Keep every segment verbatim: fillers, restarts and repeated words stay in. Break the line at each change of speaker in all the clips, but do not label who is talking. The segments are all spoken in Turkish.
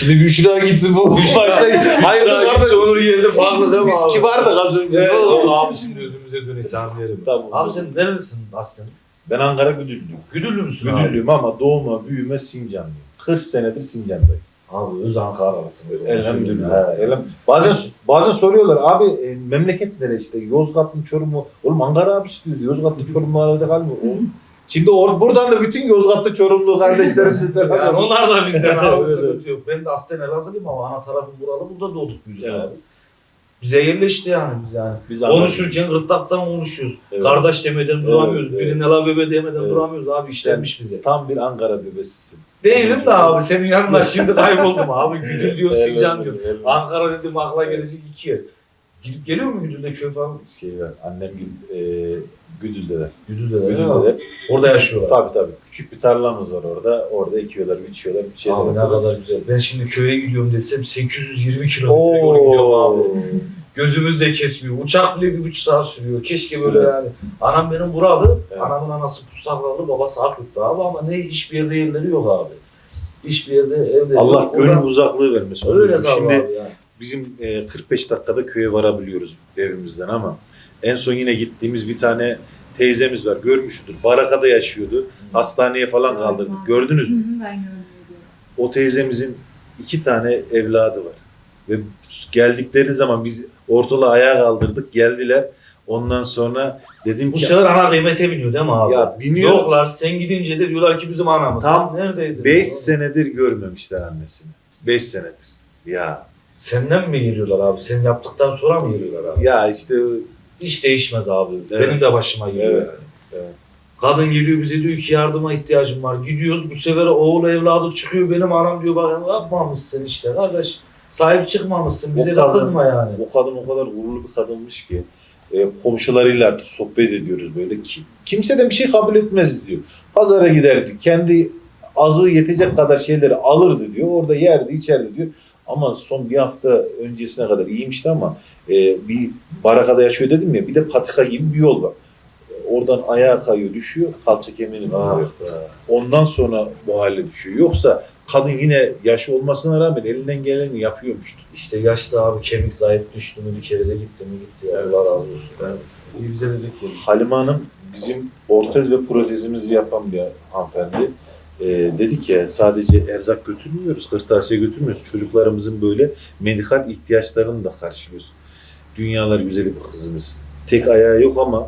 Şimdi Büşra gitti bu başta. Hayır kardeş.
Onun yerinde farklı değil mi
Biz
abi?
kibardık az önce.
Evet,
Ne oldu?
abi şimdi özümüze döneceğim yerim.
Tamam.
Abi sen nerelisin aslen?
Ben Ankara Güdüllüyüm.
Güdüllü müsün abi?
Güdüllüyüm ama doğma büyüme Sincanlıyım. kırk senedir Sincan'dayım.
Abi öz Ankara'lısın.
Elhamdülillah. Elham- Bazen bazen soruyorlar abi e, memleket nere işte Yozgat mı Çorum mu? Oğlum Ankara abi istiyor. Yozgat'ta Çorum mu arada kalmıyor. O- Şimdi or buradan da bütün Yozgat'ta Çorumlu kardeşlerimize selam.
Yani onlar da bizden abi
Evet,
sıkıntı yok. Ben de aslen Elazığlıyım ama ana tarafım buralı. Burada doğduk büyüdük
Evet.
abi. Bize yerleşti yani biz yani.
Biz
Konuşurken gırtlaktan konuşuyoruz.
Evet.
Kardeş demeden
Evet,
duramıyoruz.
evet.
Birine la bebe demeden
Evet.
duramıyoruz abi. İşlenmiş bize.
Tam bir Ankara bebesisin.
Değilim de abi senin yanında şimdi kayboldum abi. Güdül diyor,
Evet,
Sincan diyor.
evet.
Ankara dedim akla gelecek iki yer. Gidip geliyor mu Güdül'de köy falan?
Şey var, annem Gül, e, Güdül'deler.
Güdül'de de. değil mi?
Güdül'deler.
Orada yaşıyorlar.
Tabii tabii. Küçük bir tarlamız var orada. Orada ekiyorlar, biçiyorlar, bir şeyler
Abi ne
yapıyorlar.
kadar güzel. Ben şimdi köye gidiyorum desem sekiz yüz yirmi kilometre yol gidiyorum abi. Gözümüz de kesmiyor. Uçak bile bir buçuk saat sürüyor. Keşke böyle
Sürer.
yani. Anam benim buralı.
Evet.
Anamın anası Pustaklalı, babası Akyurt'ta abi ama ne hiçbir yerde yerleri yok abi. Hiçbir yerde evleri
Allah
yok.
gönül
Oradan-
uzaklığı vermesin.
Öyle
Şimdi
abi yani.
bizim e, kırk beş dakikada köye varabiliyoruz evimizden ama en son yine gittiğimiz bir tane teyzemiz var. Görmüştür. Barakada yaşıyordu. Hastaneye falan kaldırdık. Gördünüz mü?
Ben gördüm.
O teyzemizin iki tane evladı var. Ve geldikleri zaman biz ortalığı ayağa kaldırdık. Geldiler. Ondan sonra dedim
Bu
ki
sefer ana kıymete biniyor değil mi abi?
ya biniyor.
Yoklar sen gidince de diyorlar ki bizim anamız.
Tam
Tam neredeydi?
beş senedir görmemişler annesini. beş senedir. Ya
Senden mi geliyorlar abi? Sen yaptıktan sonra mı geliyorlar abi?
ya işte
Hiç değişmez abi.
Evet.
Benim de başıma geliyor.
Evet.
yani.
Evet.
Kadın geliyor bize diyor ki yardıma ihtiyacım var. Gidiyoruz bu sefer oğul evladı çıkıyor benim anam diyor bak yapmamışsın işte kardeş. Sahip çıkmamışsın bize
O
de
kadın-
kızma yani.
o kadın o kadar gururlu bir kadınmış ki e, komşularıyla artık sohbet ediyoruz böyle. Ki, kimseden bir şey kabul etmezdi diyor. Pazara giderdi. Kendi azığı yetecek kadar şeyleri alırdı diyor. Orada yerdi, içerdi diyor. Ama son bir hafta öncesine kadar iyiymişti ama e, bir barakada yaşıyor dedim ya bir de patika gibi bir yol var. E, Oradan ayağa kayıyor, düşüyor, kalça kemiğini
Ah
kırıyor.
be.
Ondan sonra bu hale düşüyor. Yoksa kadın yine yaşı olmasına rağmen elinden geleni yapıyormuştu.
İşte yaşlı abi kemik zayıf düştü mü bir kere de gitti mi gitti ya. Allah razı olsun. Evet. İyi bize de denk geldi.
Halime Hanım bizim ortez ve protezimizi yapan bir hanımefendi. Ee, dedi ki sadece erzak götürmüyoruz, kırtasiye götürmüyoruz. Çocuklarımızın böyle medikal ihtiyaçlarını da karşılıyoruz. Dünyalar güzeli bir kızımız. Tek ayağı yok ama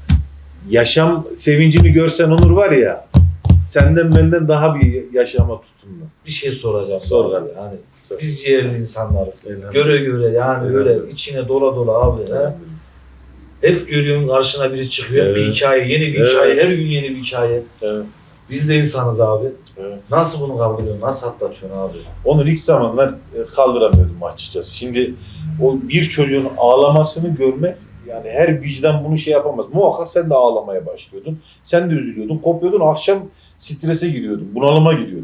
yaşam sevincini görsen Onur var ya senden benden daha bir yaşama tutumlu.
Bir şey soracağım.
Sor
abi.
lan.
Yani
Sor.
biz ciğerli insanlarız.
Elhamdülillah.
Göre göre yani böyle
Elhamdülillah.
içine dola dola abi. he. Hep görüyorsun karşına biri çıkıyor.
Evet.
Bir hikaye, yeni bir
Evet.
hikaye, her gün yeni bir hikaye.
Evet.
Biz de insanız abi.
Evet.
Nasıl bunu kaldırıyorsun? Nasıl atlatıyorsun abi?
Onu ilk zamanlar e, kaldıramıyordum açıkçası. Şimdi o bir çocuğun ağlamasını görmek yani her vicdan bunu şey yapamaz. Muhakkak sen de ağlamaya başlıyordun. Sen de üzülüyordun, kopuyordun. Akşam strese giriyordun, bunalıma giriyordun.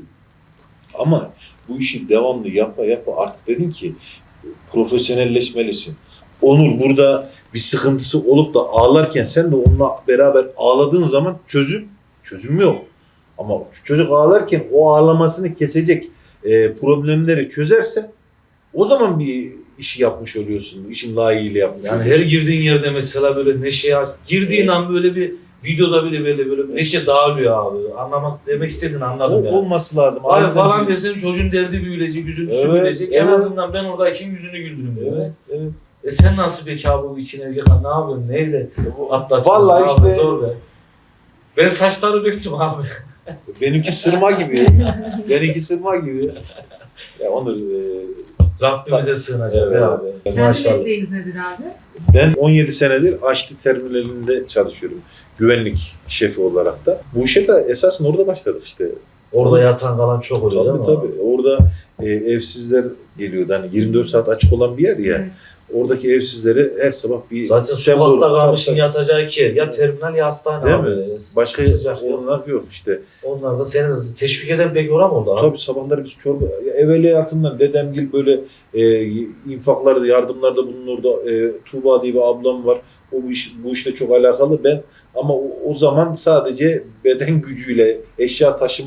Ama bu işi devamlı yapa yapa artık dedin ki profesyonelleşmelisin. Onur burada bir sıkıntısı olup da ağlarken sen de onunla beraber ağladığın zaman çözüm, çözüm yok. Ama çocuk ağlarken o ağlamasını kesecek e, problemleri çözerse o zaman bir işi yapmış oluyorsun. İşin layığıyla yapmış
Yani her
oluyorsun.
girdiğin yerde mesela böyle neşe girdiğin an böyle bir videoda bile böyle böyle bir neşe dağılıyor abi. Anlamak demek istediğini anladım
O-
yani.
olması lazım.
Ay
Aynen
falan
öyle.
desem çocuğun derdi büyüyecek, üzüntüsü
Evet,
büyüyecek. En
evet.
azından ben oradaki yüzünü güldürürüm diyor.
Evet, evet.
E sen nasıl peki abi bu içine yıkan ne yapıyorsun? Neyle atlatıyorsun?
Vallahi
Ne
işte-
yapıyorsun? Zor be. Ben saçları döktüm abi.
Benimki sırma gibi. Benimki sırma gibi. Ya Onur e,
Rabbimize sığınacağız
Evet.
ya abi.
Kendi
Maşallah.
mesleğiniz nedir abi?
ben on yedi senedir Açlı Terminalinde çalışıyorum. Güvenlik şefi olarak da. Bu işe de esasen orada başladık işte.
Orada yatan kalan çok oluyor değil
Tabii
mi?
tabii. Orada e, evsizler geliyordu. Hani yirmi dört saat açık olan bir yer ya.
Evet.
Oradaki evsizlere her sabah bir
Zaten
sembol-
sokakta kalmışın
Tabii,
yatacağı iki yer. Ya terminal ya hastane
Değil
abi.
mi? Başka
sıcak yok.
onlar yok işte.
Onlar da seni teşvik eden pek oram oldu abi.
Tabii sabahları biz çorba, evveliyatından dedemgil böyle e, infaklarda, yardımlarda bulunurdu. E, Tuğba diye bir ablam var. O bu, iş, bu işte çok alakalı. Ben ama o, o zaman sadece beden gücüyle eşya taşıma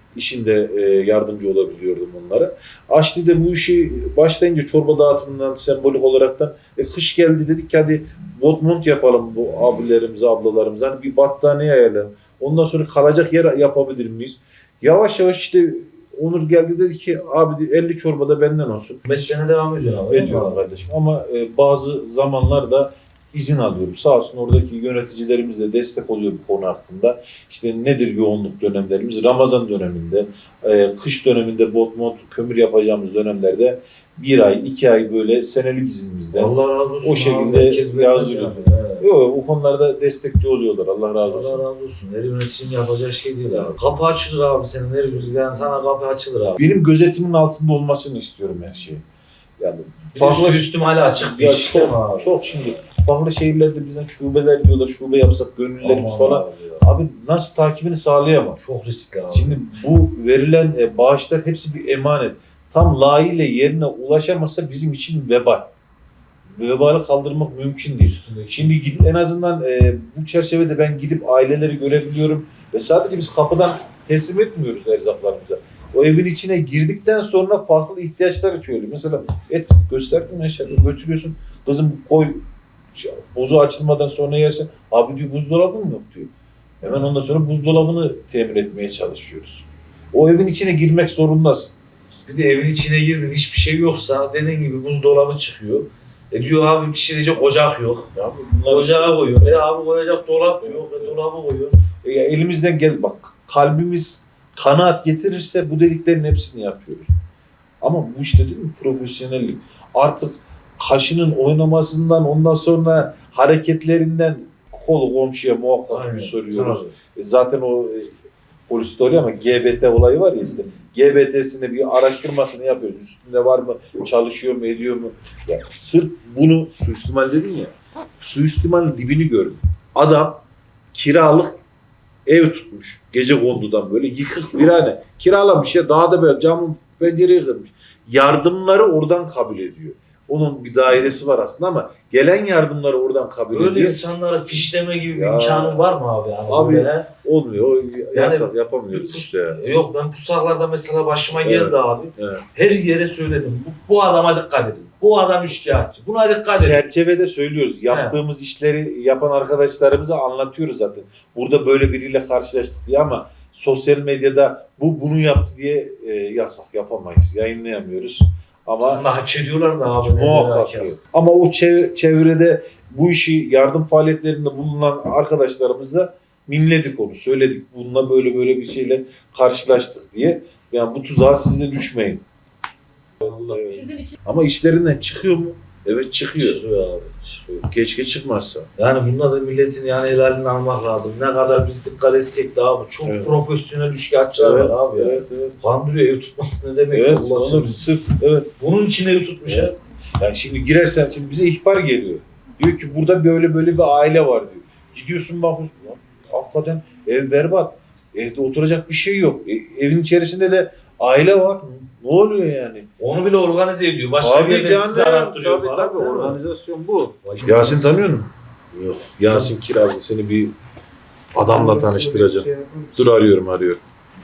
işinde e, yardımcı olabiliyordum onlara. Aşli'de bu işi başlayınca çorba dağıtımından sembolik olaraktan e, kış geldi dedik ki hadi botmont yapalım bu abilerimize, ablalarımıza. Hani bir battaniye ayarlayalım. Ondan sonra kalacak yer yapabilir miyiz? Yavaş yavaş işte Onur geldi dedi ki abi elli çorba da benden olsun.
Mesleğine devam ediyorsun abi.
Ediyorum kardeşim ama e, bazı zamanlarda izin alıyorum. Sağ olsun oradaki yöneticilerimiz de destek oluyor bu konu hakkında. İşte nedir yoğunluk dönemlerimiz? Ramazan döneminde, e, kış döneminde bot mod kömür yapacağımız dönemlerde bir ay, iki ay böyle senelik iznimizden
Allah razı olsun.
o şekilde yazdırıyoruz.
Evet.
Yok, bu konularda destekçi oluyorlar. Allah razı olsun.
Allah razı olsun. Her yöneticinin yapacağı şey değil abi. Kapı açılır abi senin her güzel. Sana kapı açılır abi.
Benim gözetimin altında olmasını istiyorum her şeyi. Yani
Bir de üstü üstüm hala açık bir
ya
iş
çok,
değil mi abi?
çok şimdi farklı şehirlerde bizden şubeler diyorlar, şube yapsak gönüllerimiz
Aman
falan.
abi ya.
Abi nasıl takibini sağlayamam?
Çok riskli abi.
Şimdi bu verilen e, bağışlar hepsi bir emanet. Tam layığıyla yerine ulaşamazsa bizim için vebal. Vebali kaldırmak mümkün değil.
Üstündeki-
Şimdi gid- en azından e, bu çerçevede ben gidip aileleri görebiliyorum ve sadece biz kapıdan teslim etmiyoruz erzaklarımıza. O evin içine girdikten sonra farklı ihtiyaçlar açıyor. Mesela et gösterdim aşağıda götürüyorsun. Kızım koy bozu açılmadan sonra yersen. Abi diyor buzdolabı mı yok diyor. Hemen ondan sonra buzdolabını temin etmeye çalışıyoruz. O evin içine girmek zorundasın.
Bir de evin içine girdin hiçbir şey yoksa dediğin gibi buzdolabı çıkıyor. E diyor abi pişirecek ocak yok.
Ya bunlar
Ocağı koyuyor. E abi koyacak dolap yok. E dolabı koyuyor.
E, ya elimizden gel bak kalbimiz kanaat getirirse bu dediklerin hepsini yapıyoruz. Ama bu işte değil mi profesyonellik. Artık kaşının oynamasından ondan sonra hareketlerinden kolu komşuya muhakkak
Aynen,
bir soruyoruz.
tabii.
E, zaten o e, poliste oluyor ama G B T olayı var ya işte. G B T'sini bir araştırmasını yapıyoruz. Üstünde var mı? Çalışıyor mu? Ediyor mu? Ya, sırf bunu suistimal dedin ya. Suistimalin dibini görün. Adam kiralık ev tutmuş. Gece kondudan böyle yıkık virane. Kiralamış ya daha da böyle camın pencereyi kırmış. Yardımları oradan kabul ediyor. Onun bir dairesi var aslında ama gelen yardımları oradan kabul
Öyle
ediyor.
insanlara fişleme gibi bir
Ya.
imkanın var mı abi? Yani
Abi,
böyle?
Olmuyor. O yasak yapamıyoruz
Pus-
işte. ya.
Yok ben pusaklarda mesela başıma
Evet.
geldi abi.
Evet.
Her yere söyledim. Bu, bu adama dikkat edin. Bu adam üçkağıtçı. Buna dikkat edin.
Çerçevede söylüyoruz. Yaptığımız işleri yapan arkadaşlarımıza anlatıyoruz zaten. Burada böyle biriyle karşılaştık diye ama sosyal medyada bu bunu yaptı diye e, yasak yapamayız. Yayınlayamıyoruz. Ama
Aslında hak ediyorlar da abi.
muhakkak
Ne
yok. Ama o çev- çevrede bu işi yardım faaliyetlerinde bulunan arkadaşlarımızla mimledik onu. Söyledik. Bununla böyle böyle bir şeyle karşılaştık diye. Yani bu tuzağa siz de düşmeyin. Evet.
Sizin için
Ama işlerinden çıkıyor mu? Evet çıkıyor.
Çıkıyor abi. Çıkıyor.
Keşke çıkmazsa.
Yani bunda da milletin yani helalini almak lazım. Ne kadar biz dikkat etsek de abi çok
Evet.
profesyonel üçkağıtçılar
Evet,
var abi ya.
Evet, evet.
Kandırıyor ev tutmak ne demek?
Evet,
Allah
onu
söylüyor.
sırf evet.
Bunun için ev tutmuş
Evet.
ya.
Yani şimdi girersen şimdi bize ihbar geliyor. Diyor ki burada böyle böyle bir aile var diyor. Gidiyorsun bakıyorsun. Lan, hakikaten ev berbat. Evde oturacak bir şey yok. E, evin içerisinde de aile var. Ne oluyor yani?
Onu bile organize ediyor. Başka bir yerde sizi arattırıyor
tabii,
falan.
tabii,
değil mi?
organizasyon bu.
Vay-
Yasin tanıyor musun? Yok. Yasin Kirazlı seni bir adamla tanıştıracağım. Dur arıyorum arıyorum.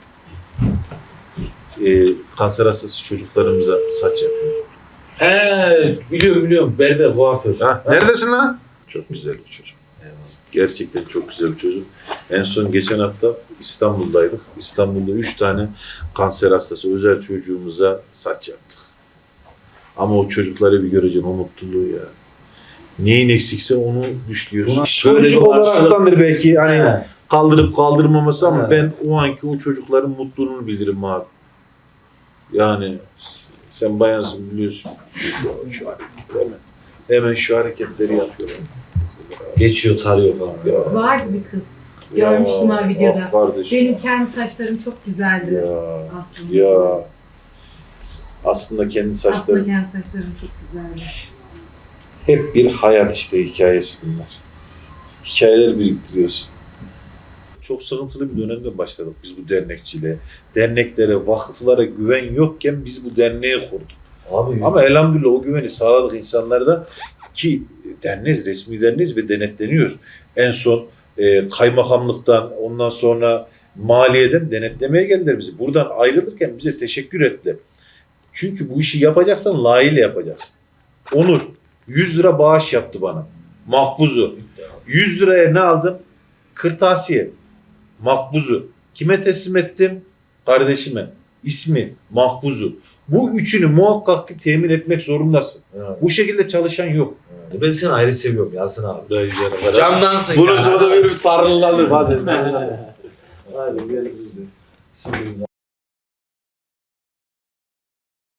Ee, kanser hastası çocuklarımıza saç yapıyor.
He biliyorum biliyorum. Berber, kuaför.
Ha,
Ha?
neredesin lan? Çok güzel bir çocuk.
Eyvallah.
Gerçekten çok güzel bir çocuk. En son geçen hafta İstanbul'daydık. İstanbul'da üç tane kanser hastası özel çocuğumuza saç yaptık. Ama o çocukları bir göreceksin o mutluluğu ya. Neyin eksikse onu düşlüyorsun.
Buna
Şöyle
şöyle
bir olaraktandır belki hani
He.
kaldırıp kaldırmaması ama
He.
ben o anki o çocukların mutluluğunu bilirim abi. Yani sen bayansın biliyorsun. Şu, şu hareketleri hemen, hemen şu hareketleri yapıyorlar.
Geçiyor tarıyor falan.
Ya,
vardı bir kız. Görmüştüm ha videoda.
ah kardeşim.
Benim kendi saçlarım çok güzeldi
Ya,
aslında.
ya. Aslında kendi
Aslında
saçları
kendi saçlarım çok güzeldi.
hep bir hayat işte hikayesi bunlar. Hikayeler biriktiriyorsun. Çok sıkıntılı bir dönemde başladık biz bu dernekçiliğe. Derneklere, vakıflara güven yokken biz bu derneği kurduk.
Abi
Ama elhamdülillah o güveni sağladık insanlarda ki derneğiz, resmi derneğiz ve denetleniyoruz. En son e, kaymakamlıktan, ondan sonra maliyeden denetlemeye geldiler bizi. Buradan ayrılırken bize teşekkür ettiler. Çünkü bu işi yapacaksan layığıyla yapacaksın. Onur yüz lira bağış yaptı bana. Makbuzu. yüz liraya ne aldım? Kırtasiye. Makbuzu. Kime teslim ettim? Kardeşime. İsmi Makbuzu. Bu üçünü muhakkak ki temin etmek zorundasın.
Evet.
Bu şekilde çalışan yok.
Ben seni ayrı seviyorum Yasin abi.
Dayı canım.
Candansın
Bunu
ya.
sonra bir sarılalım hadi.
Hadi gel biz de. Bismillah.